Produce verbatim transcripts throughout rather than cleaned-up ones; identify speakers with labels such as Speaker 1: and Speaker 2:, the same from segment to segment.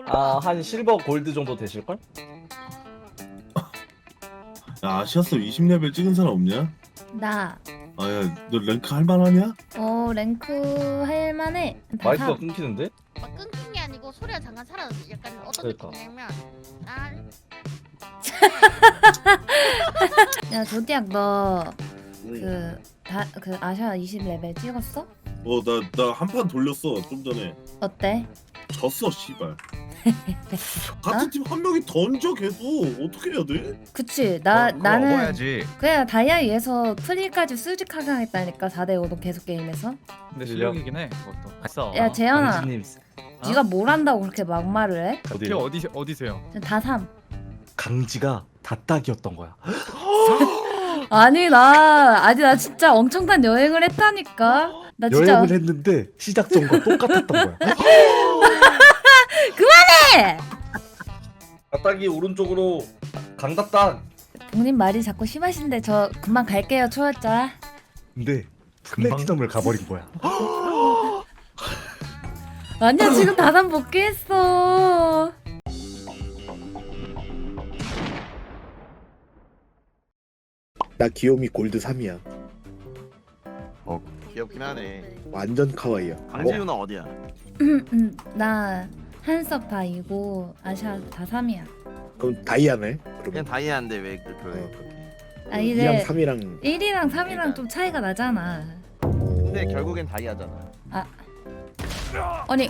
Speaker 1: 아, 한 실버 골드 정도 되실걸?
Speaker 2: 야 아시아스 이십 레벨 찍은 사람 없냐?
Speaker 3: 나,
Speaker 2: 아야 너 랭크 할만하냐?
Speaker 3: 어, 랭크 할만해. 다
Speaker 1: 마이크가
Speaker 3: 삼.
Speaker 1: 끊기는데?
Speaker 4: 막 끊긴 게 아니고 소리가 잠깐 사라졌어. 약간 어떤
Speaker 1: 그러니까.
Speaker 4: 느낌이냐면 난
Speaker 3: 야, 조디악, 너, 그, 다, 그, 아샤 이십 레벨 찍었어?
Speaker 2: 어나 나 한 판 돌렸어 좀 전에
Speaker 3: 어때?
Speaker 2: 졌어 씨발. 같은 팀 한 명이 던져 계속 어떻게 해야 돼?
Speaker 3: 그치, 나,
Speaker 5: 그거
Speaker 3: 나는,
Speaker 5: 먹어야지.
Speaker 3: 그냥 다이아 위에서 프리까지 수직하게 하겠다니까, 사 대 오로 계속 게임에서.
Speaker 6: 근데 실력이긴 해 그것도. 아싸.
Speaker 3: 야, 재현아,
Speaker 1: 강진님
Speaker 3: 네가 뭘 한다고 그렇게 막말을 해?
Speaker 6: 어디
Speaker 1: 어디요?
Speaker 6: 어디 어디세요?
Speaker 3: 다 삼.
Speaker 1: 강지가 다딱이었던 거야.
Speaker 3: 아니, 나, 아니, 나 진짜 엄청난 여행을 했다니까. 나 진짜.
Speaker 1: 여행을 했는데 시작 전과 똑같았던 거야.
Speaker 3: 그만해!
Speaker 1: 다딱이 오른쪽으로 강다딱.
Speaker 3: 본인 말이 자꾸 심하신데 저 금방 갈게요, 초월자.
Speaker 1: 근데 플래티넘을 가버린 거야.
Speaker 3: 아니야, 지금 다산 복귀했어.
Speaker 7: 나 귀요미 골드 삼이야.
Speaker 8: 귀엽긴 하네.
Speaker 7: 완전 카와이야.
Speaker 8: 강진이 누나 어디야?
Speaker 3: 음, 나 한섭 다 이고 아샤 다 삼이야.
Speaker 7: 그럼 다이아네.
Speaker 8: 그냥
Speaker 7: 그러면
Speaker 8: 다이아인데 왜 그렇게 그래?
Speaker 7: 어.
Speaker 8: 그렇게.
Speaker 3: 아,
Speaker 7: 이랑
Speaker 3: 이제
Speaker 7: 삼이랑
Speaker 3: 일이랑 삼이랑
Speaker 8: 그러니까.
Speaker 3: 좀 차이가 나잖아.
Speaker 8: 근데 결국엔 다이아잖아.
Speaker 3: 아니.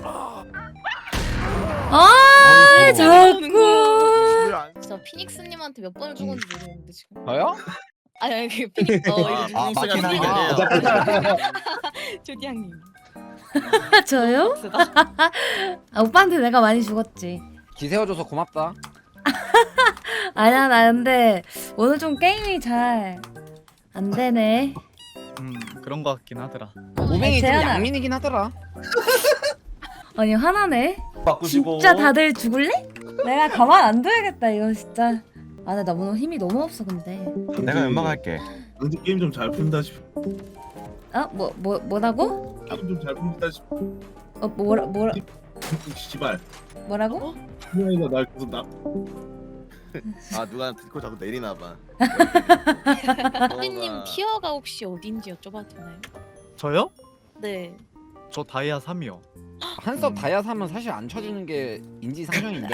Speaker 3: 아, 자꾸.
Speaker 8: 왜안
Speaker 4: 진짜 피닉스님한테 몇 번을 죽었는지 모르겠는데 지금.
Speaker 6: 저요?
Speaker 4: 아니 아니 그 피닉 어 이거
Speaker 8: 아, 맞긴
Speaker 4: 피닉스가
Speaker 8: 하네.
Speaker 4: 조디양님.
Speaker 3: 저요? 아, 오빠한테 내가 많이 죽었지.
Speaker 5: 기세워줘서 고맙다.
Speaker 3: 아니야, 나 근데 오늘 좀 게임이 잘 안 되네.
Speaker 6: 음 그런 거 같긴 하더라.
Speaker 5: 오맹이 좀
Speaker 3: 재현아.
Speaker 5: 양민이긴 하더라.
Speaker 3: 아니, 화나네.
Speaker 1: 바꾸시고.
Speaker 3: 진짜 다들 죽을래? 내가 가만 안 둬야겠다, 이거 진짜. 아, 나 오늘 힘이 너무 없어, 근데.
Speaker 5: 내가 연막할게.
Speaker 2: 강진 게임 좀 잘 푼다 싶어.
Speaker 3: 어? 뭐, 뭐, 뭐라고?
Speaker 2: 게임 좀 잘 푼다 싶어.
Speaker 3: 어, 뭐라, 뭐라,
Speaker 2: 씨발.
Speaker 3: 뭐라고?
Speaker 2: 승현이가 날 계속 나.
Speaker 8: 아 누가 듣고 자꾸 내리나 봐.
Speaker 4: 조디님 티어가 혹시 어딘지 여쭤봐도 되나요?
Speaker 6: 저요?
Speaker 4: 네.
Speaker 6: 저 다이아 삼이요.
Speaker 5: 한섭 다이아 사면 사실 안 쳐주는 게 인지상정인데.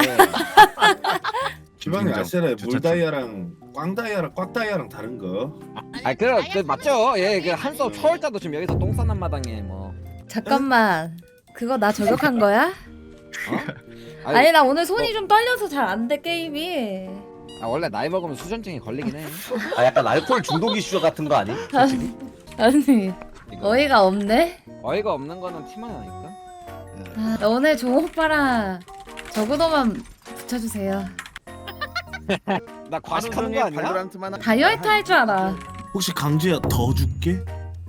Speaker 2: 지방이
Speaker 5: 인정.
Speaker 2: 아시아에
Speaker 5: 저, 저, 저.
Speaker 2: 물다이아랑 꽝다이아랑 꽉다이아랑 다른 거.
Speaker 5: 아 그래 그 맞죠. 예, 그 한섭 초월자도 지금 여기서 똥 싸는 마당에 뭐.
Speaker 3: 잠깐만. 그거 나 저격한 거야?
Speaker 5: 어?
Speaker 3: 아니, 나 오늘 손이 좀 떨려서 잘 안 돼, 게임이.
Speaker 5: 아, 원래 나이 먹으면 수전증이 걸리긴 해.
Speaker 1: 아, 약간 알코올 중독 이슈 같은 거 아니? 솔직히?
Speaker 3: 아니,
Speaker 5: 이거.
Speaker 3: 어이가 없네.
Speaker 5: 어이가 없는 거는 티만 나니까.
Speaker 3: 아, 나 오늘 종 오빠랑 저구도만 붙여주세요.
Speaker 5: 나 과식하는 거 아니야?
Speaker 8: 발로란트만 하-
Speaker 3: 다이어트 할 줄 알아.
Speaker 2: 혹시 강지야 더 줄게?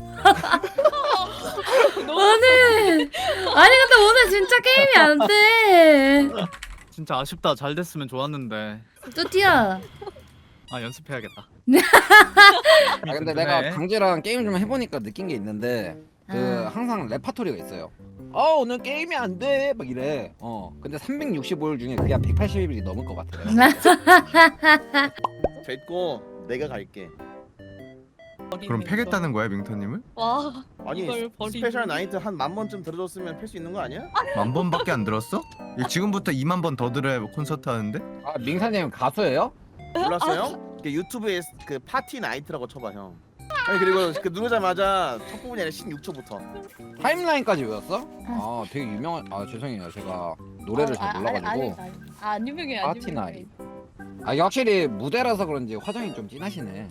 Speaker 3: 오늘 아니 근데 오늘 진짜 게임이 안 돼.
Speaker 6: 진짜 아쉽다. 잘 됐으면 좋았는데.
Speaker 3: 뚜띠야.
Speaker 6: 아 연습해야겠다.
Speaker 5: 아 근데 내가 강제랑 게임 좀 해보니까 느낀 게 있는데 그
Speaker 3: 아.
Speaker 5: 항상 레파토리가 있어요. 어 오늘 게임이 안 돼 막 이래. 어 근데 삼백육십오 일 중에 그게 한 백팔십 일이 넘을 것 같아. 내가.
Speaker 8: 됐고 내가 갈게.
Speaker 9: 그럼 패겠다는 거야 밍터님을?
Speaker 4: 와.
Speaker 8: 아니
Speaker 4: 이걸 버리고.
Speaker 8: 스페셜 나이트 한 만 번쯤 들어줬으면 팰 수 있는 거 아니야?
Speaker 9: 만 번밖에 안 들었어? 이 지금부터 이만 번 더 들어야 콘서트 하는데?
Speaker 5: 아 민사님 가수예요?
Speaker 8: 몰랐어요? 그 유튜브에 그 파티 나이트라고 쳐봐 형. 아니 그리고 그 누르자마자 첫 부분이 아니라 십육 초부터.
Speaker 5: 타임라인까지 외웠어? 아 되게 유명한. 아 죄송해요 제가 노래를 잘 몰라가지고.
Speaker 4: 아안 유명해 안
Speaker 5: 파티
Speaker 4: 유명해.
Speaker 5: 나이. 아 이게 확실히 무대라서 그런지 화장이 좀 진하시네.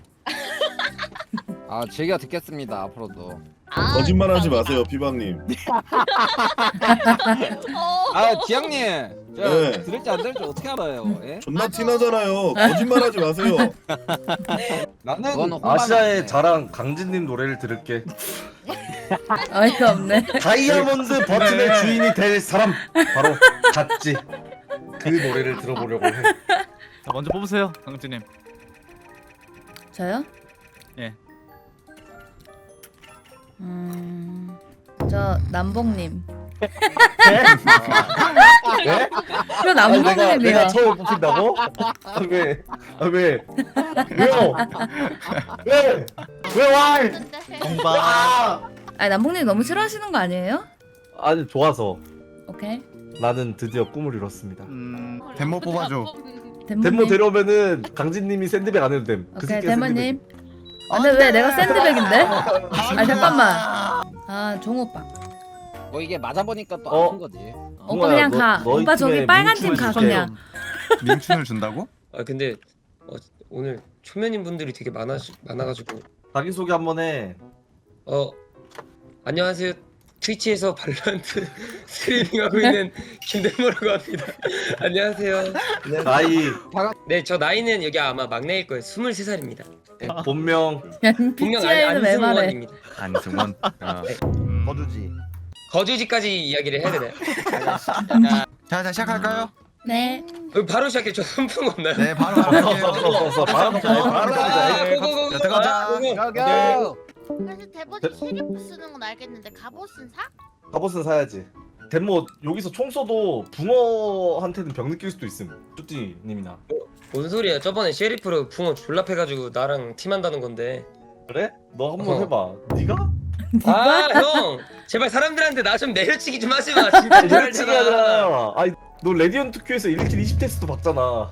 Speaker 5: 아 즐겨 듣겠습니다 앞으로도.
Speaker 4: 아,
Speaker 2: 거짓말하지
Speaker 4: 감사합니다.
Speaker 2: 마세요 비방님.
Speaker 4: 어.
Speaker 5: 아 지영님 저
Speaker 2: 네.
Speaker 5: 들을지 안 들을지 어떻게 알아요? 예?
Speaker 2: 존나 티나잖아요. 거짓말하지 마세요.
Speaker 5: 나는 그거는
Speaker 1: 아시아의
Speaker 5: 혼밥이네.
Speaker 1: 자랑 강진님 노래를 들을게.
Speaker 3: 어이가 없네.
Speaker 1: 다이아몬드 버튼의 주인이 될 사람 바로 갓지. 그 노래를 들어보려고 해.
Speaker 6: 자 먼저 뽑으세요, 강진님.
Speaker 3: 저요?
Speaker 6: 예.
Speaker 3: 음, 저 남봉님.
Speaker 1: 네?
Speaker 3: 이건
Speaker 1: 아니, 내가 내가
Speaker 3: 남봉님이야.
Speaker 1: 처음 뽑힌다고? 아, 왜? 아, 왜? 왜요? 왜? 왜 와?
Speaker 6: 공방.
Speaker 1: 아!
Speaker 3: 아니 남봉님 너무 싫어하시는 거 아니에요?
Speaker 1: 아니 좋아서
Speaker 3: 오케이.
Speaker 1: 나는 드디어 꿈을 이뤘습니다.
Speaker 6: 음.
Speaker 9: 데모 뽑아줘.
Speaker 1: 덴모
Speaker 3: 덴모님.
Speaker 1: 데려오면은 강진님이 샌드백 안 해도 됨. 그
Speaker 3: 오케이
Speaker 1: 새끼가
Speaker 3: 덴모님. 아, 근데 왜 내가 샌드백인데? 아 잠깐만. 아 종오빠.
Speaker 5: 뭐 이게 맞아보니까 또
Speaker 1: 어?
Speaker 5: 아픈 거지.
Speaker 3: 오빠
Speaker 1: 뭐야,
Speaker 3: 그냥
Speaker 1: 너-
Speaker 3: 가.
Speaker 1: 너희
Speaker 3: 오빠 저기
Speaker 1: 팀에
Speaker 3: 빨간 팀
Speaker 1: 민춤을
Speaker 3: 가
Speaker 1: 줄게.
Speaker 3: 그냥.
Speaker 9: 민춘을 준다고?
Speaker 10: 아 근데 어, 오늘 초면인 분들이 되게 많아 많아가지고
Speaker 1: 자기 소개 한번 해.
Speaker 10: 어 안녕하세요 트위치에서 발로란트 스트리밍하고 있는 김대모라고 합니다. 안녕하세요.
Speaker 1: 나이,
Speaker 10: 네 저 나이는 여기 아마 막내일 거예요. 스물세 살입니다.
Speaker 1: 본명,
Speaker 10: 분명 안,
Speaker 3: 비티아이는 왜 말해?
Speaker 10: 안승원입니다.
Speaker 9: 안승원. 어.
Speaker 8: 거두지.
Speaker 10: 거주지까지 이야기를 해야 되나요?
Speaker 9: 자, 자 시작할까요?
Speaker 3: 네.
Speaker 10: 어, 바로 시작해. 저 손풍 없나요?
Speaker 9: 네, 바로
Speaker 1: 없어
Speaker 9: 할게요.
Speaker 1: 없어 없어 바로 바로 바로
Speaker 10: 아,
Speaker 1: 가자.
Speaker 10: 고고고고.
Speaker 9: 자, 들어가자.
Speaker 10: 고고.
Speaker 5: 고고.
Speaker 11: 그래서 대버지 쉐리프 쓰는 건 알겠는데 갑옷은 사?
Speaker 1: 갑옷은 사야지. 덴모 여기서 총 쏘도 붕어한테는 병 느낄 수도 있음. 쭈띠님이나.
Speaker 10: 뭔 소리야? 저번에 셰리프로 붕어 졸라패가지고 나랑 팀한다는 건데.
Speaker 1: 그래? 너 한번
Speaker 10: 어.
Speaker 1: 해봐. 네가?
Speaker 10: 아 형, 제발 사람들한테 나 좀 내려치기 좀 하지 마. 진짜
Speaker 1: 내려치기
Speaker 10: 잘잖아.
Speaker 1: 하잖아. 아니 너 레디언트 큐에서 일 킬 이십 테스트 봤잖아.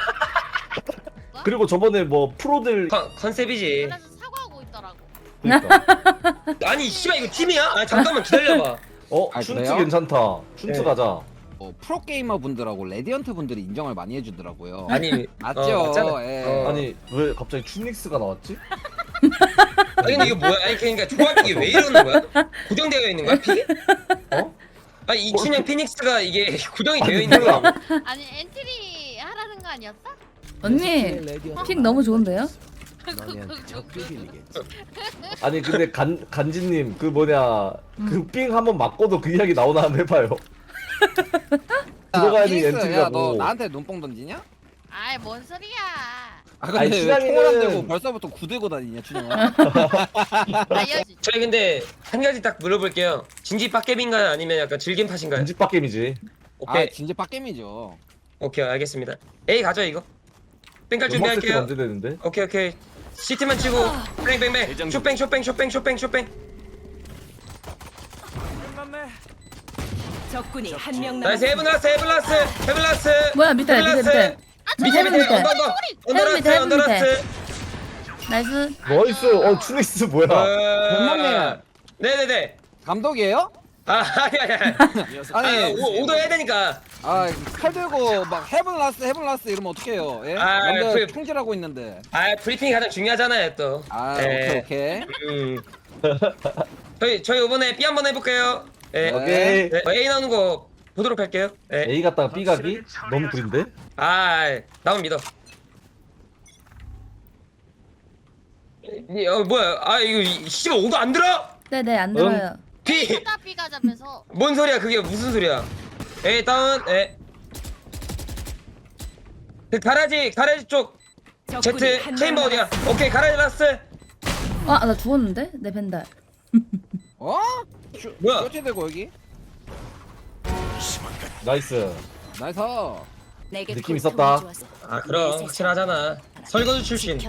Speaker 1: 그리고 저번에 뭐 프로들
Speaker 10: 컨- 컨셉이지.
Speaker 11: 그래서 사과하고 있더라고.
Speaker 1: 그러니까.
Speaker 10: 아니 씨발 이거 팀이야? 아 잠깐만 기다려봐.
Speaker 1: 어
Speaker 5: 아,
Speaker 1: 춘트
Speaker 5: 그래요?
Speaker 1: 괜찮다. 춘트
Speaker 10: 네.
Speaker 1: 가자.
Speaker 5: 어, 프로게이머 분들하고 레디언트 분들이 인정을 많이 해주더라고요.
Speaker 10: 아니
Speaker 5: 맞죠?
Speaker 10: 어, 맞잖아.
Speaker 5: 예.
Speaker 10: 어.
Speaker 1: 아니 왜 갑자기 춘닉스가 나왔지?
Speaker 10: 아니 근데 이거 뭐야? 아니 그러니까 조합이 왜 이러는 거야? 고정되어 있는 거야 픽이?
Speaker 1: 어?
Speaker 10: 아니 이춘향 피닉스가 이게 고정이 되어
Speaker 1: 아니,
Speaker 10: 있는 거야?
Speaker 1: 몰라.
Speaker 11: 아니 엔트리 하라는 거 아니었어?
Speaker 3: 언니 픽 너무 좋은데요?
Speaker 1: 아니 근데 간 간지님 그 뭐냐
Speaker 3: 음.
Speaker 1: 그 삥 한번 맞고도 그 이야기 나오나 한번 해봐요. 들어가야 돼
Speaker 5: 피닉스, 야, 너
Speaker 1: 엔트리라고.
Speaker 5: 나한테 눈뽕 던지냐?
Speaker 11: 아이 뭔 소리야?
Speaker 5: 아 근데
Speaker 1: 아니,
Speaker 5: 왜
Speaker 1: 춘향이는-
Speaker 5: 총을 안 대고 벌써부터 구들고 다니냐 춘향아?
Speaker 11: 아 여...
Speaker 10: 저희 근데 한 가지 딱 물어볼게요. 진지 빡겜인가요? 아니면 약간 질긴 팟인가요?
Speaker 1: 인집박 게임이지.
Speaker 5: 아
Speaker 10: 오케이
Speaker 5: 진짜 빡겜이죠.
Speaker 10: 오케이 알겠습니다. A 가죠 이거. 뺑갈
Speaker 1: 음악 세트
Speaker 10: 준비할게요.
Speaker 1: 언제 되는데?
Speaker 10: 오케이 오케이. 시트만 치고 뺑뺑뺑 쇼뺑 쇼뺑 쇼뺑 쇼뺑 쇼뺑.
Speaker 4: 적군이 한 명
Speaker 10: 나이스 헤븐 라스 헤븐 라스 헤븐 라스.
Speaker 3: 뭐야 밑에 밑에 밑에.
Speaker 10: 밑에 밑에
Speaker 3: 밑에.
Speaker 10: 언더 언더 언더
Speaker 3: 헤븐 밑에,
Speaker 10: 라스
Speaker 3: 헤븐
Speaker 10: 언더
Speaker 3: 밑에.
Speaker 10: 라스.
Speaker 3: 나이스.
Speaker 1: 나이스. 어 춘닉스 뭐야?
Speaker 10: 어... 네네네.
Speaker 5: 감독이에요?
Speaker 10: 아 아니 아니 아니.
Speaker 5: 아니
Speaker 10: 아니 오, 오더 해야 되니까.
Speaker 5: 아칼 들고 막 헤븐 라스 헤븐 라스 이러면 어떡해요? 예?
Speaker 10: 아,
Speaker 5: 남들
Speaker 10: 그-
Speaker 5: 총질하고 있는데.
Speaker 10: 아 브리핑이 가장 중요하잖아요 또.
Speaker 5: 아
Speaker 10: 네.
Speaker 5: 오케이 오케이.
Speaker 10: 음. 저희 저희 이번에 B 한번 해볼게요. 네.
Speaker 1: 오케이.
Speaker 10: 네. A 나오는 거 보도록 할게요. 네.
Speaker 1: A 갔다가 B 가기? 너무 구린데?
Speaker 10: 아 나만 믿어. 이- 어 뭐야? 아 이거 이- 씨발 오도 안 들어?
Speaker 3: 네네 안 들어요.
Speaker 10: B
Speaker 11: 사다 B 가자면서
Speaker 10: 뭔 소리야? 그게 무슨 소리야? A 다운. 에. 그 가라지 가라지 쪽 Z 체인버 어디야? 오케이 가라지 라스.
Speaker 3: 아 나 죽었는데? 내 벤달.
Speaker 5: 어?
Speaker 10: 뭐야?
Speaker 5: 쇼트 대고 여기.
Speaker 1: 나이스.
Speaker 5: 나이스.
Speaker 1: 느낌 있었다.
Speaker 10: 아 그럼 확실하잖아. 설거지 출신.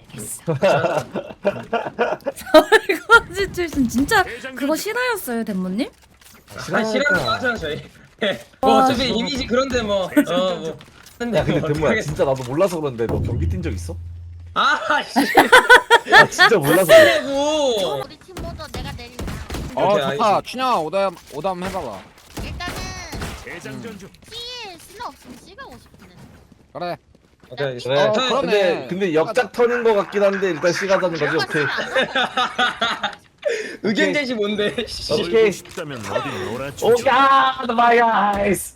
Speaker 3: 설거지 출신 진짜 그거 실화였어요 덴모님?
Speaker 10: 아 싫어하는 거 하잖아 저희. 뭐 어차피 이미지 그런데 뭐. 어 뭐.
Speaker 1: 야 근데
Speaker 10: 뭐
Speaker 1: 대모야
Speaker 10: 어떡하겠-
Speaker 1: 진짜 나도 몰라서 그런데 너 경기 뛴 적 있어?
Speaker 10: 아 씨.
Speaker 1: 나 진짜 몰라서 그래.
Speaker 10: 고
Speaker 11: 우리 팀 모두 내가 내린다.
Speaker 5: 어
Speaker 10: 오케이,
Speaker 5: 좋다.
Speaker 10: 알겠습니다.
Speaker 5: 춘향아 오담 오담 해봐봐.
Speaker 11: 일단은 T에 C는 없으면 C 가고 싶은데.
Speaker 5: 그래.
Speaker 10: 오케이.
Speaker 1: 그래.
Speaker 5: 어,
Speaker 10: 저-
Speaker 5: 그럼-
Speaker 1: 근데
Speaker 5: 그러네.
Speaker 1: 근데 역작 턴인 것 같긴 한데 일단 C 가자는 거지. 오케이.
Speaker 10: 의견 제시 뭔데?
Speaker 1: 오케이. 오케이. 아, my eyes.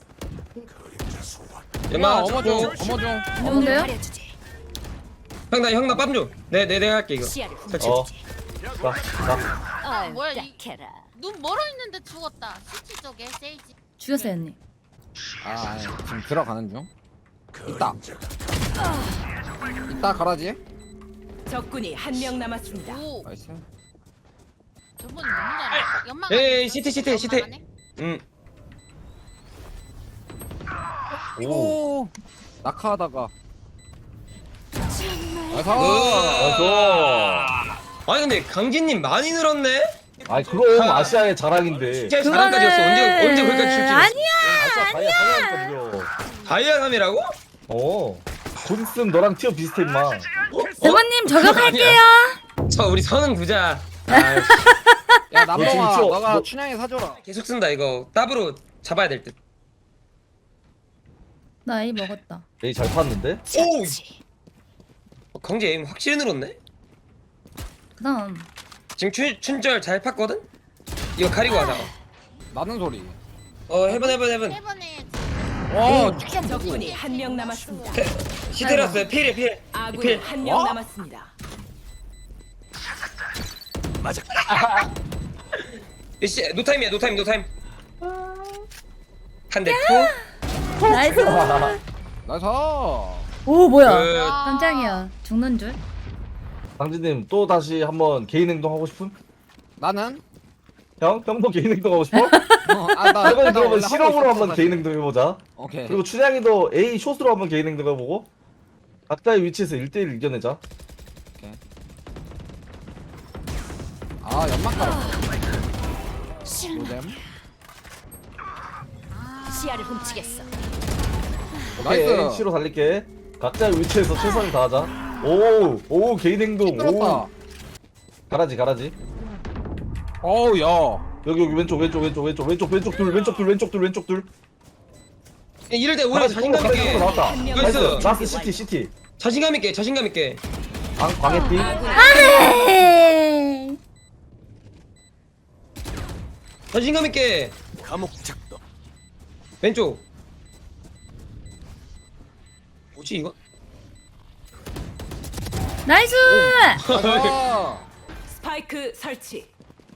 Speaker 10: 엄마
Speaker 5: 어머 좀 어머 좀.
Speaker 3: 좋은데요?
Speaker 10: 형나 형나 빰 줘. 네, 네, 내가 할게 이거. 설치.
Speaker 1: 어. 나, 나.
Speaker 11: 아 뭐야 이... 눈 멀어 있는데 죽었다. 시티 쪽에 세이지.
Speaker 3: 죽였어요 언니.
Speaker 5: 아 지금 들어가는 중. 있다. 있다 가라지.
Speaker 4: 적군이 한 명 남았습니다.
Speaker 11: 오
Speaker 5: 나이스.
Speaker 11: 저분 너무 잘해. 연막.
Speaker 10: 에이,
Speaker 11: 안에 있어?
Speaker 10: 시티, 시티,
Speaker 11: 연막
Speaker 10: 시티.
Speaker 11: 안에?
Speaker 10: 응.
Speaker 5: 오 낙하하다가 나이스.
Speaker 1: 어서.
Speaker 10: 아니 근데 강진님 많이 늘었네?
Speaker 1: 아이 그럼 아시아의 자랑인데.
Speaker 10: 진짜 자랑까지였어. 언제 언제 거기까지 줄지?
Speaker 3: 아니야.
Speaker 1: 아시아 다이아 삼이니까 무려.
Speaker 10: 다이아 삼이라고?
Speaker 1: 어. 곧 있으면 너랑 티어 비슷해 임마.
Speaker 3: 대모님 저격할게요.
Speaker 10: 저 우리 선은 부자. 아이씨,
Speaker 5: 야
Speaker 1: 너 지금
Speaker 5: 남봉아
Speaker 1: 저-
Speaker 5: 너가
Speaker 1: 너-
Speaker 5: 춘향이 사줘라.
Speaker 10: 계속 쓴다 이거. 더블로 잡아야 될 듯.
Speaker 3: 나 A 먹었다.
Speaker 1: 에이 잘 탔는데?
Speaker 10: 오. 어, 강진 에임 확실히 늘었네.
Speaker 3: 그다음
Speaker 10: 지금 춘 춘절 잘 팠거든? 이거 가리고 하자.
Speaker 5: 나는 소리.
Speaker 10: 어 해본 해본 해본.
Speaker 11: 해번에
Speaker 5: 와
Speaker 4: 적군이 한 명 남았습니다.
Speaker 10: 시테라스 필해 필.
Speaker 4: 아군이
Speaker 10: 필.
Speaker 4: 한 명
Speaker 5: 어?
Speaker 4: 남았습니다.
Speaker 10: 씨 노타임이야 노타임 노타임. 한 대 투.
Speaker 3: 나이스.
Speaker 5: 나이스.
Speaker 3: 오 뭐야?
Speaker 10: 그
Speaker 3: 깜짝이야. 죽는 줄.
Speaker 1: 강진님 또 다시 한번 개인 행동 하고 싶음?
Speaker 5: 나는
Speaker 1: 형? 형도 개인 행동 하고 싶어?
Speaker 5: 어, 아, 나,
Speaker 1: 이번에
Speaker 5: 나
Speaker 1: 그러면
Speaker 5: 원래
Speaker 1: 실험으로
Speaker 5: 하고
Speaker 1: 한번
Speaker 5: 있었어,
Speaker 1: 개인
Speaker 5: 사실.
Speaker 1: 행동 해보자.
Speaker 5: 오케이.
Speaker 1: 그리고 춘향이도 A 숏으로 한번 개인 행동 해보고 각자의 위치에서 일 대일 이겨내자.
Speaker 5: 아 연막 깔았어. 노잼.
Speaker 11: 시야를 훔치겠어.
Speaker 1: 오케이
Speaker 5: 나이스.
Speaker 1: C로 달릴게. 각자의 위치에서 최선을 다하자. 오, 오 개인 행동.
Speaker 5: 들었다.
Speaker 1: 오. 가라지 가라지.
Speaker 5: 어우 야.
Speaker 1: 여기 여기 왼쪽 왼쪽 왼쪽 왼쪽 왼쪽 왼쪽 둘 왼쪽 둘 왼쪽 둘 왼쪽 둘.
Speaker 10: 이럴 때 오히려
Speaker 1: 가라지
Speaker 10: 자신감
Speaker 1: 가라지
Speaker 10: 있게.
Speaker 1: 나왔다.
Speaker 4: 한 명
Speaker 1: 나이스.
Speaker 10: 나이스.
Speaker 1: 라스트 시티 시티.
Speaker 10: 자신감 있게 자신감 있게.
Speaker 1: 광 광해띠.
Speaker 3: 에이.
Speaker 10: 자신감 있게.
Speaker 8: 감옥 작도.
Speaker 10: 왼쪽. 뭐지 이거?
Speaker 3: 나이스.
Speaker 5: 나이스.
Speaker 4: 스파이크 설치.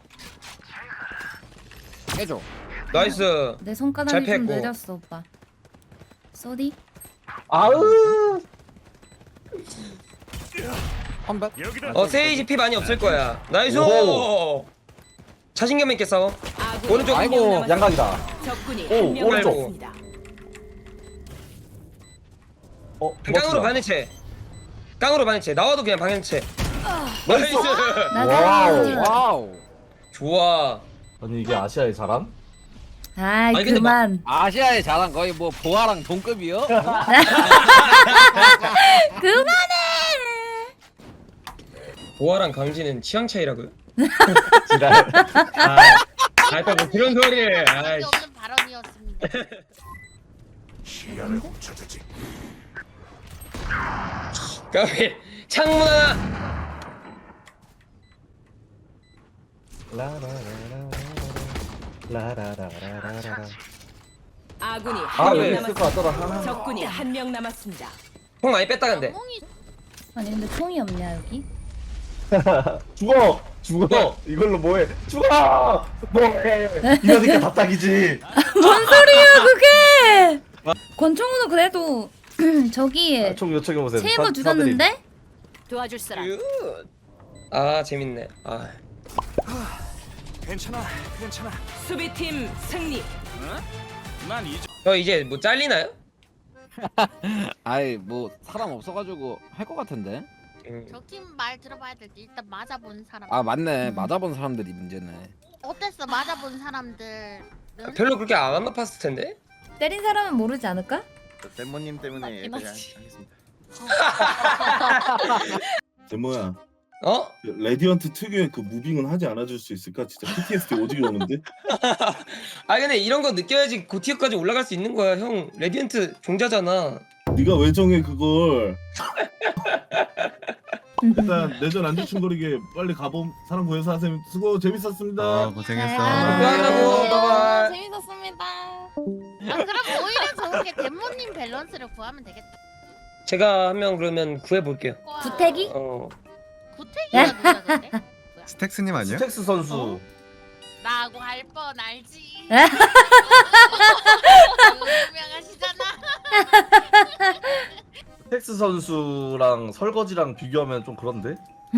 Speaker 5: 해줘.
Speaker 10: 나이스.
Speaker 3: 내 손가락이
Speaker 10: 잘
Speaker 3: 좀
Speaker 10: 뺐고.
Speaker 3: 느렸어 오빠. 쏘리.
Speaker 1: 아으.
Speaker 5: 컴백.
Speaker 10: 어 세이지 피 많이 없을 거야. 나이스.
Speaker 1: 오.
Speaker 10: 자신감 있게 싸워.
Speaker 4: 아군이
Speaker 10: 오른쪽.
Speaker 4: 한 명
Speaker 5: 아이고,
Speaker 4: 남았습니다.
Speaker 1: 양각이다.
Speaker 4: 적군이
Speaker 1: 오,
Speaker 4: 한 명
Speaker 1: 오른쪽.
Speaker 4: 남았습니다.
Speaker 1: 어.
Speaker 10: 깡으로 반해체. 깡으로 반해체. 나와도 그냥 방해체. 나이스.
Speaker 1: 와우.
Speaker 5: 와우.
Speaker 10: 좋아.
Speaker 1: 아니 이게 아시아의 자랑?
Speaker 3: 아이
Speaker 10: 아니, 근데
Speaker 3: 그만.
Speaker 5: 아시아의 자랑 거의 뭐 보아랑 동급이요?
Speaker 3: 그만해.
Speaker 10: 보아랑 강진은 취향 차이라고요?
Speaker 1: 지랄.
Speaker 10: 아, 아, 또 뭐 그런 소리를. 아이,
Speaker 11: 없는 발언이었습니다.
Speaker 10: 까비. 창문 하나.
Speaker 1: 라라라라라라라라라.
Speaker 4: 아군이
Speaker 1: 아
Speaker 4: 한 명
Speaker 1: 여기 있을 것
Speaker 4: 남았습니다.
Speaker 1: 같더라.
Speaker 4: 적군이 한 명 남았습니다.
Speaker 10: 형 많이 뺐다 근데.
Speaker 11: 멍이
Speaker 3: 아니 근데 총이 없냐 여기?
Speaker 1: 죽어 죽어 이걸로 뭐해 죽어 뭐해 이러니까 답답이지.
Speaker 3: 뭔 소리야 그게? 권총우는 그래도 저기
Speaker 1: 총 요청해 보세요.
Speaker 3: 세이버 죽였는데?
Speaker 11: 도와줄 사람.
Speaker 10: 굿. 아 재밌네. 아.
Speaker 8: 괜찮아, 괜찮아.
Speaker 4: 수비팀 승리.
Speaker 10: 저 이제 뭐 잘리나요?
Speaker 5: 아이 뭐 사람 없어가지고 할 것 같은데.
Speaker 10: 음.
Speaker 11: 적팀 말 들어봐야 될 때 일단 맞아본 사람.
Speaker 5: 아 맞네. 맞아본 사람들이 문제네.
Speaker 11: 어땠어? 맞아본 사람들.
Speaker 10: 별로 그렇게 안 높았을 텐데.
Speaker 3: 때린 사람은 모르지 않을까?
Speaker 8: 덴모님 때문에
Speaker 11: 맞긴
Speaker 8: 여기까지
Speaker 11: 하지.
Speaker 8: 하겠습니다.
Speaker 2: 데모야.
Speaker 10: 어?
Speaker 2: 레디언트 특유의 그 무빙은 하지 않아줄 수 있을까? 진짜 피티에스디 오지게 오는데.
Speaker 10: 아 근데 이런 거 느껴야지 고티어까지 올라갈 수 있는 거야. 형 레디언트 종자잖아.
Speaker 2: 네가 왜 정해 그걸? 일단 내전 안 지충거리게 빨리 가봄. 사람 구해서 하세요. 수고 재밌었습니다.
Speaker 9: 어 고생했어.
Speaker 10: 미안하고 바이바이.
Speaker 11: 재밌었습니다. 아 그럼 오히려 좋은 게 덴모님 밸런스를 구하면 되겠다.
Speaker 10: 제가 한 명 그러면 구해 볼게요.
Speaker 3: 구태기?
Speaker 10: 어.
Speaker 11: 구태기가 누가 근데?
Speaker 9: 스택스님 아니야?
Speaker 1: 스택스 선수.
Speaker 11: 라고 할 뻔 알지.
Speaker 3: 에?
Speaker 11: 유명하시잖아.
Speaker 1: 스택스 선수랑 설거지랑 비교하면 좀 그런데.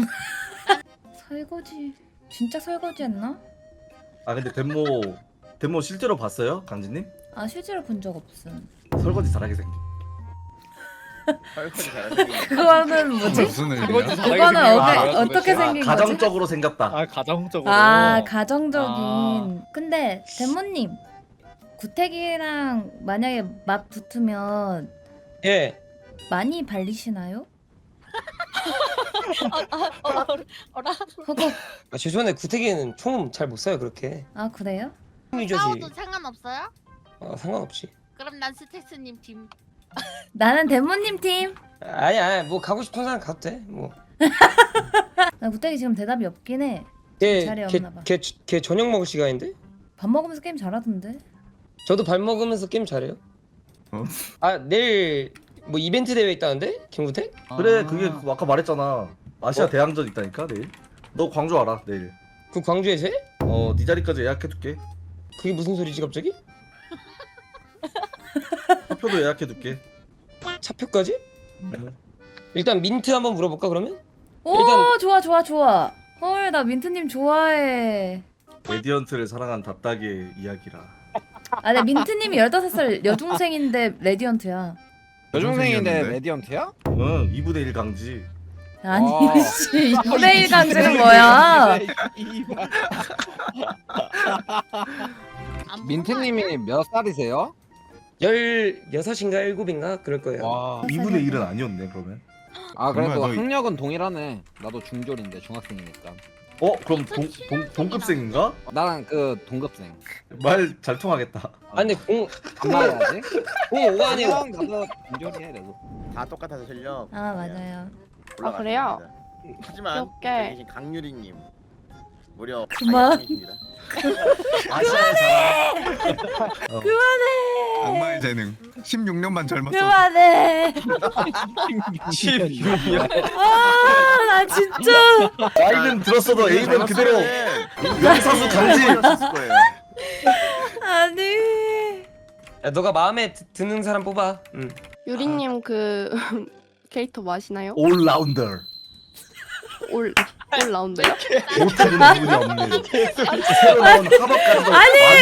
Speaker 3: 설거지 진짜 설거지했나?
Speaker 1: 아 근데 덴모 덴모 실제로 봤어요, 강진님?
Speaker 3: 아 실제로 본 적 없음.
Speaker 1: 설거지 잘하게 생긴.
Speaker 8: 설거지 잘하시네.
Speaker 3: 그거는 뭐지?
Speaker 9: 무슨 의미야?
Speaker 3: 그거는
Speaker 1: 아,
Speaker 3: 어게, 어떻게
Speaker 1: 아,
Speaker 3: 생긴 거지?
Speaker 1: 가정적으로 생겼다.
Speaker 6: 아 가정적으로.
Speaker 3: 아 가정적인.
Speaker 6: 아.
Speaker 3: 근데 데모님 구택이랑 만약에 맛 붙으면
Speaker 10: 예.
Speaker 3: 많이 발리시나요?
Speaker 11: 어라.
Speaker 3: 허걱.
Speaker 10: 아, 죄송한데 구태기는 총 잘 못 쏴요 그렇게.
Speaker 3: 아 그래요?
Speaker 10: 유저지.
Speaker 11: 싸워도 상관없어요?
Speaker 10: 어, 상관없지.
Speaker 11: 그럼 난 스택스님 팀.
Speaker 3: 나는 데모님 팀.
Speaker 10: 아니 아니 뭐 가고 싶은 사람 가도 돼. 뭐.
Speaker 3: 나 구택이 지금 대답이 없긴 해.
Speaker 10: 걔,
Speaker 3: 자리
Speaker 10: 걔,
Speaker 3: 없나 봐.
Speaker 10: 걔, 걔 저녁 먹을 시간인데?
Speaker 3: 밥 먹으면서 게임 잘하던데.
Speaker 10: 저도 밥 먹으면서 게임 잘해요.
Speaker 9: 어?
Speaker 10: 아 내일 뭐 이벤트 대회 있다는데? 김구태?
Speaker 1: 그래
Speaker 6: 아.
Speaker 1: 그게 그 아까 말했잖아. 아시아
Speaker 10: 어?
Speaker 1: 대항전 있다니까 내일. 너 광주 알아 내일.
Speaker 10: 그 광주에서 해?
Speaker 1: 어네 자리까지 예약해둘게.
Speaker 10: 그게 무슨 소리지 갑자기?
Speaker 1: 표도 예약해둘게.
Speaker 10: 차표까지?
Speaker 1: 응.
Speaker 10: 일단 민트 한번 물어볼까 그러면?
Speaker 3: 오
Speaker 10: 일단-
Speaker 3: 좋아 좋아 좋아. 헐 나 민트님 좋아해.
Speaker 1: 레디언트를 사랑한 답답의 이야기라.
Speaker 3: 아 근데 민트님이 열다섯 살 여중생인데 레디언트야.
Speaker 5: 여중생인데 레디언트야?
Speaker 1: 응 이분의 일 강지.
Speaker 3: 아니
Speaker 5: 와.
Speaker 3: 씨 이분의 일 강제는 뭐야?
Speaker 11: 안
Speaker 5: 민트님이 몇 살이세요?
Speaker 10: 열여섯인가 일곱인가 그럴 거예요.
Speaker 5: 와.
Speaker 1: 이분의 일은 아니었네 그러면.
Speaker 5: 아 그래도
Speaker 9: 정말 너-
Speaker 5: 학력은 동일하네. 나도 중졸인데 중학생이니까.
Speaker 1: 어 그럼 동, 동, 동급생인가?
Speaker 5: 나랑 그 동급생.
Speaker 1: 말 잘 통하겠다.
Speaker 10: 아 근데 공
Speaker 5: 안 나야지.
Speaker 10: 공오가 아니고
Speaker 5: 형 나도 중졸이야 그래도.
Speaker 8: 다 똑같아서 실력.
Speaker 3: 아 맞아요.
Speaker 8: 올라갔습니다.
Speaker 11: 그래요?
Speaker 8: 하지만
Speaker 11: 귀엽게.
Speaker 8: 여기 계신 강유리님 무려
Speaker 3: 그만.
Speaker 8: 다이아몬드입니다.
Speaker 1: 아시아의 사랑. 어.
Speaker 9: 악마의 재능. 십육 년만 젊었어.
Speaker 3: 그만해. 아나 진짜.
Speaker 1: 나이는 들었어도 에임은 그대로 명사수 강지.
Speaker 8: 있을 거예요.
Speaker 3: 아니.
Speaker 10: 야, 너가 마음에 드, 드는 사람 뽑아. 응.
Speaker 11: 유리님 그 캐릭터 뭐 하시나요?
Speaker 1: 올라운더.
Speaker 11: 올 올라운드요?
Speaker 1: 못하는 부분이 없는. 새로 나온 하버까지도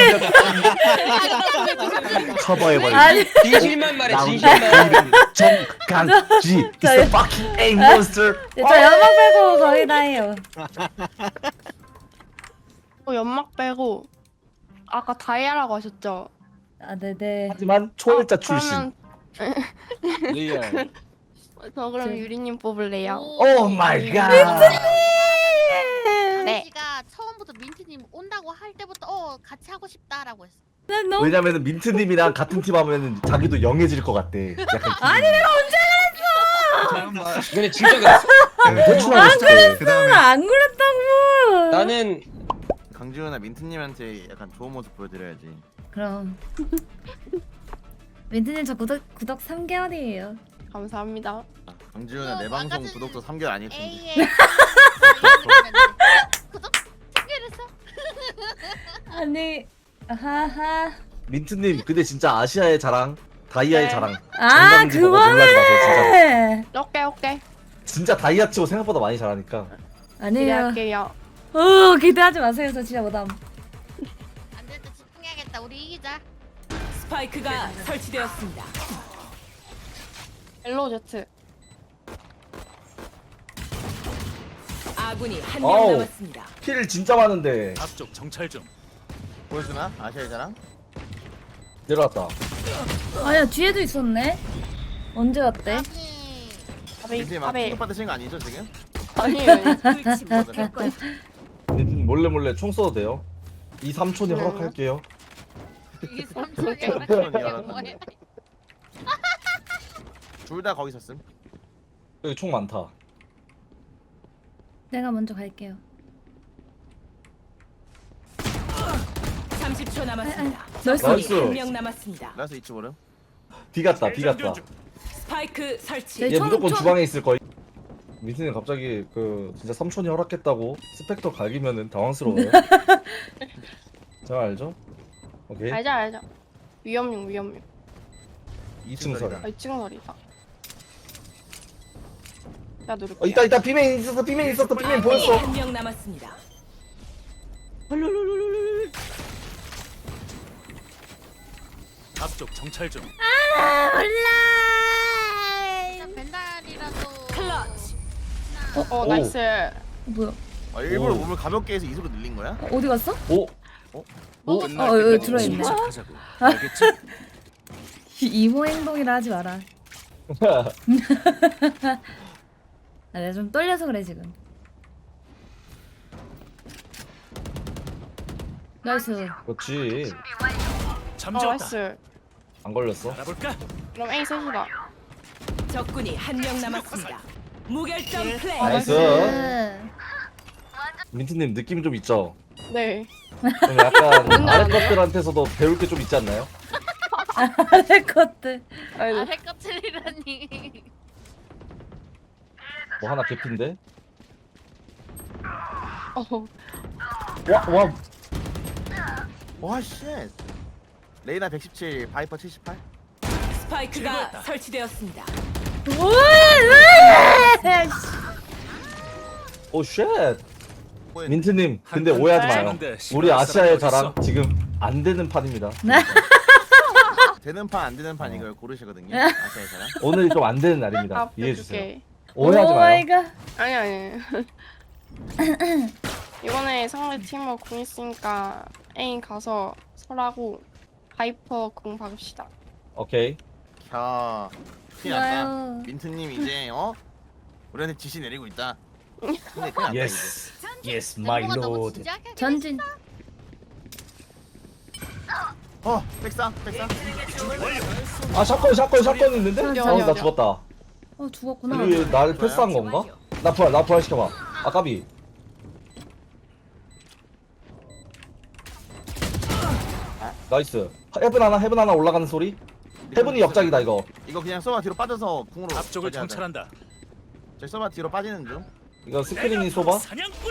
Speaker 1: 아니. 커버해버린.
Speaker 3: 아니.
Speaker 10: 진실만 말해 진실만.
Speaker 1: 정강지. It's a fucking A monster.
Speaker 3: 저 연막 빼고 거의 다 해요.
Speaker 11: 어, 연막 빼고 아까 다이아라고 하셨죠?
Speaker 3: 아 네네.
Speaker 1: 하지만 초월자
Speaker 11: 어,
Speaker 1: 출신.
Speaker 11: 그러면
Speaker 5: 리얼.
Speaker 11: 저 그럼
Speaker 3: 제-
Speaker 11: 유리님 뽑을래요?
Speaker 1: 오 마이 갓.
Speaker 11: 네.
Speaker 12: 씨가 처음부터 민트님 온다고 할 때부터 어 같이 하고 싶다라고 했어.
Speaker 3: 난 너무.
Speaker 1: 왜냐면은 민트님이랑 같은 팀 하면은 자기도 영해질 것 같대. 약간 아니 내가
Speaker 10: 근데 진짜 그랬어.
Speaker 1: 대충 하고
Speaker 9: 그 다음에
Speaker 3: 안 그랬다고.
Speaker 10: 나는
Speaker 8: 강지훈아 민트님한테 약간 좋은 모습 보여드려야지.
Speaker 3: 그럼. 민트님 저 구독 구독 삼 개월이에요.
Speaker 11: 감사합니다.
Speaker 8: 강지훈아 내
Speaker 12: 어,
Speaker 8: 방송
Speaker 12: 아까
Speaker 8: 구독도 삼 개월 아닐 텐데.
Speaker 12: 에이에 구독 참여했어?
Speaker 3: 아니. 하하.
Speaker 1: 민트님 근데 진짜 아시아의 자랑, 다이아의
Speaker 11: 네.
Speaker 1: 자랑.
Speaker 3: 아
Speaker 1: 정강지 보고 놀라지 마세요,
Speaker 3: 그만해.
Speaker 11: 오케이 오케이.
Speaker 1: 진짜 다이아 치고 생각보다 많이 잘하니까.
Speaker 3: 아니에요.
Speaker 11: 기대할게요.
Speaker 3: 어 기대하지 마세요. 저 진짜 못함.
Speaker 12: 안 될 때 집중해야겠다. 우리 이기자.
Speaker 4: 스파이크가 설치되었습니다.
Speaker 11: 옐로우 제트.
Speaker 4: 아군이 한 명
Speaker 1: 어우.
Speaker 4: 남았습니다.
Speaker 1: 킬 진짜 많은데.
Speaker 6: 앞쪽 정찰 좀.
Speaker 8: 보여주나? 아시아의 자랑?
Speaker 1: 내려왔다.
Speaker 3: 아야 뒤에도 있었네. 언제 왔대?
Speaker 12: 아니
Speaker 11: 바베이
Speaker 8: 민트님 막
Speaker 11: 바베이.
Speaker 8: 충격 받으신 거 아니죠 지금?
Speaker 11: 아니에요.
Speaker 1: 민트님 몰래 몰래 총 써도 돼요. 이 삼촌이
Speaker 11: 네.
Speaker 1: 허락할게요.
Speaker 12: 이게 삼촌이 뭐해?
Speaker 8: 둘 다 거기 있었음.
Speaker 1: 여기 총 많다.
Speaker 3: 내가 먼저 갈게요.
Speaker 4: 삼십 초 남았습니다.
Speaker 3: 나이스.
Speaker 1: 나이스.
Speaker 4: 한 명 남았습니다.
Speaker 8: 나서 이치 모름.
Speaker 1: B 갔다. B 갔다.
Speaker 4: 스파이크 설치.
Speaker 3: 네,
Speaker 1: 얘
Speaker 3: 총-
Speaker 1: 무조건
Speaker 3: 총-
Speaker 1: 주방에 있을 거야. 민트님 갑자기 그 진짜 삼촌이 허락했다고 스펙터 갈기면은 당황스러워요. 잘 알죠? 오케이.
Speaker 11: 알죠 알죠. 위험용 위험용.
Speaker 1: 이 층 설.
Speaker 11: 아 이층 거리다. 야 누를게.
Speaker 1: 어, 있다 있다 비맨 있었어 비맨 있었어 비맨 보였어.
Speaker 4: 한 명 남았습니다.
Speaker 6: 앞쪽 정찰 좀.
Speaker 3: 몰라.
Speaker 12: 일단 벤달이라도.
Speaker 4: 클러치.
Speaker 11: 어
Speaker 1: 오.
Speaker 11: 나이스.
Speaker 3: 어, 뭐야?
Speaker 8: 아, 일부러
Speaker 1: 오.
Speaker 8: 몸을 가볍게 해서 이소로 늘린 거야?
Speaker 3: 어, 어디 갔어?
Speaker 1: 오.
Speaker 3: 어, 어, 여기 들어있네. 이모 행동이라 하지 마라. 아, 내가 좀 떨려서 그래 지금. 나이스.
Speaker 1: 그렇지.
Speaker 11: 어 나이스.
Speaker 1: 안 걸렸어.
Speaker 11: 그럼 A 셋이다.
Speaker 4: 적군이 한 명 남았습니다. 무결점 플레이.
Speaker 1: 나이스.
Speaker 3: 나이스.
Speaker 1: 민트님 느낌 좀 있죠?
Speaker 11: 네.
Speaker 1: 좀 약간 아래 것들한테서도 배울 게 좀 있지 않나요?
Speaker 3: 아래 것들.
Speaker 11: 아이고.
Speaker 12: 아래 껍질이라니.
Speaker 1: 뭐 하나 개핀데?
Speaker 11: 어.
Speaker 1: 와, 와.
Speaker 8: 와 쉣. 레이나 백십칠, 바이퍼 칠십팔.
Speaker 4: 스파이크가 설치되었습니다.
Speaker 1: 오 쉣. 민트님 근데 오해하지 마요. 우리 아시아의 자랑 지금 안 되는 판입니다.
Speaker 8: 되는 판 안 되는 판 이걸 고르시거든요. 아시아의 사람.
Speaker 1: 오늘이 좀 안 되는 날입니다.
Speaker 11: 아,
Speaker 1: 이해해 주세요.
Speaker 11: 오케이.
Speaker 1: 오해하지
Speaker 3: 오
Speaker 1: 마요.
Speaker 3: 마이 갓.
Speaker 11: 아니 아니. 이번에 상대 팀을 공 있으니까 A 가서 설하고 바이퍼 공 박읍시다.
Speaker 1: 오케이.
Speaker 8: 야, 큰일 났다.
Speaker 3: 좋아요.
Speaker 8: 민트님 이제 어? 우리한테 지시 내리고 있다. 근데 큰일 났다 이제.
Speaker 1: 예스. 예스 마이
Speaker 12: 멤버가 너무
Speaker 1: 로드.
Speaker 12: 진지하게 하긴
Speaker 3: 전진.
Speaker 8: 어, 백사, 백사.
Speaker 1: 아 샷건 샷건 샷건 있는데?
Speaker 11: 어디,
Speaker 1: 어,
Speaker 11: 어디,
Speaker 1: 나
Speaker 11: 어디?
Speaker 1: 죽었다.
Speaker 3: 어 죽었구나.
Speaker 1: 이거 얘 나를 패스한 건가? 나 부활 나 부활 시켜봐. 아 까비. 나이스. 헤븐 하나 헤븐 하나 올라가는 소리. 헤븐이 역작이다 이거.
Speaker 8: 이거 그냥 서버 뒤로 빠져서 궁으로 앞쪽을 정찰한다. 저 서버 뒤로 빠지는 중.
Speaker 1: 이거 스크린이 쏘봐.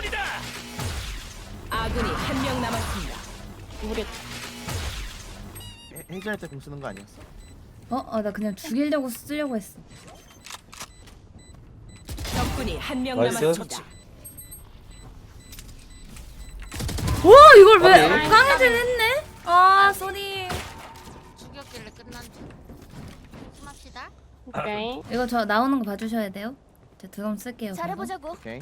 Speaker 4: 아군이 한 명 남았습니다.
Speaker 11: 우리
Speaker 8: 해- 해제할 때 궁 쓰는 거 아니었어?
Speaker 3: 어, 어, 나 그냥 죽이려고 쓰려고 했어.
Speaker 4: 적군이 한 명
Speaker 1: 나이스.
Speaker 4: 남았습니다.
Speaker 3: 와, 이걸 왜
Speaker 1: 아니.
Speaker 3: 강해진 했네? 아, 쏘리.
Speaker 12: 죽였길래 끝난 줄. 숨합시다.
Speaker 11: 오케이.
Speaker 3: 이거 저 나오는 거 봐주셔야 돼요. 저 드럼 쓸게요.
Speaker 4: 잘해보자고.
Speaker 8: 오케이.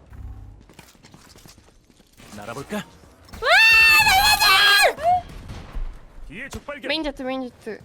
Speaker 11: 메인 제트 메인 제트.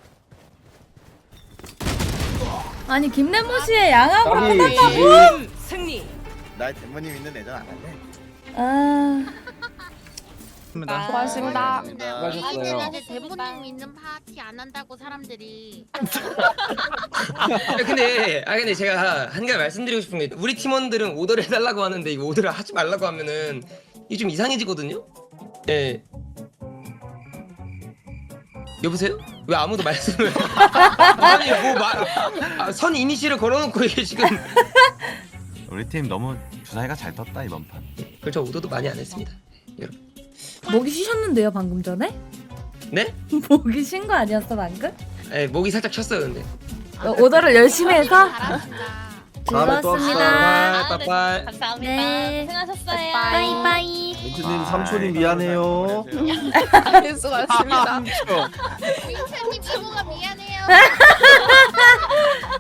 Speaker 3: 그거. 아니 김래모 씨의 양하고
Speaker 1: 까비.
Speaker 3: 끝났다고?
Speaker 4: 승리.
Speaker 8: 나의 대모님 있는 애전 안 할래.
Speaker 3: 아,
Speaker 6: 입니다.
Speaker 11: 고맙습니다.
Speaker 12: 아니
Speaker 5: 수고하셨어요.
Speaker 12: 근데 이제 대본님 있는 파티 안 한다고 사람들이.
Speaker 10: 아, 근데 아 근데 제가 한 가지 말씀드리고 싶은 게 우리 팀원들은 오더를 해달라고 하는데 이거 오더를 하지 말라고 하면은 이게 좀 이상해지거든요. 예. 여보세요? 왜 아무도 말씀을 아니 뭐말선 이니시를 걸어놓고 이게 지금
Speaker 9: 우리 팀 너무 주사위가 잘 떴다 이번 판.
Speaker 10: 그렇죠 오더도 많이 안 했습니다. 여러분.
Speaker 3: 목이 쉬셨는데요 방금 전에?
Speaker 10: 네?
Speaker 3: 목이 쉰 거 아니었어 방금?
Speaker 10: 예, 목이 살짝 쳤어요 근데.
Speaker 3: 어, 오더를 열심히 해서
Speaker 12: 잘하신다.
Speaker 1: 다음에 또 합시다.
Speaker 3: 즐거웠습니다.
Speaker 10: 빠빠이.
Speaker 12: 감사합니다.
Speaker 3: 네.
Speaker 12: 수고하셨어요.
Speaker 3: 빠이빠이.
Speaker 1: 민트님 삼촌이 미안해요.
Speaker 11: 수고하셨습니다.
Speaker 12: 민트님 이모가 미안해요.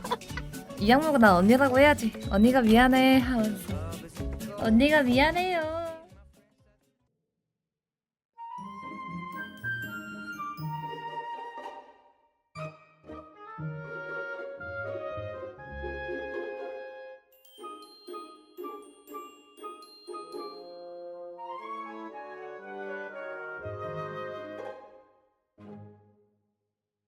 Speaker 3: 이 양모가 난 언니라고 해야지. 언니가 미안해 하면서. 언니가 미안해요.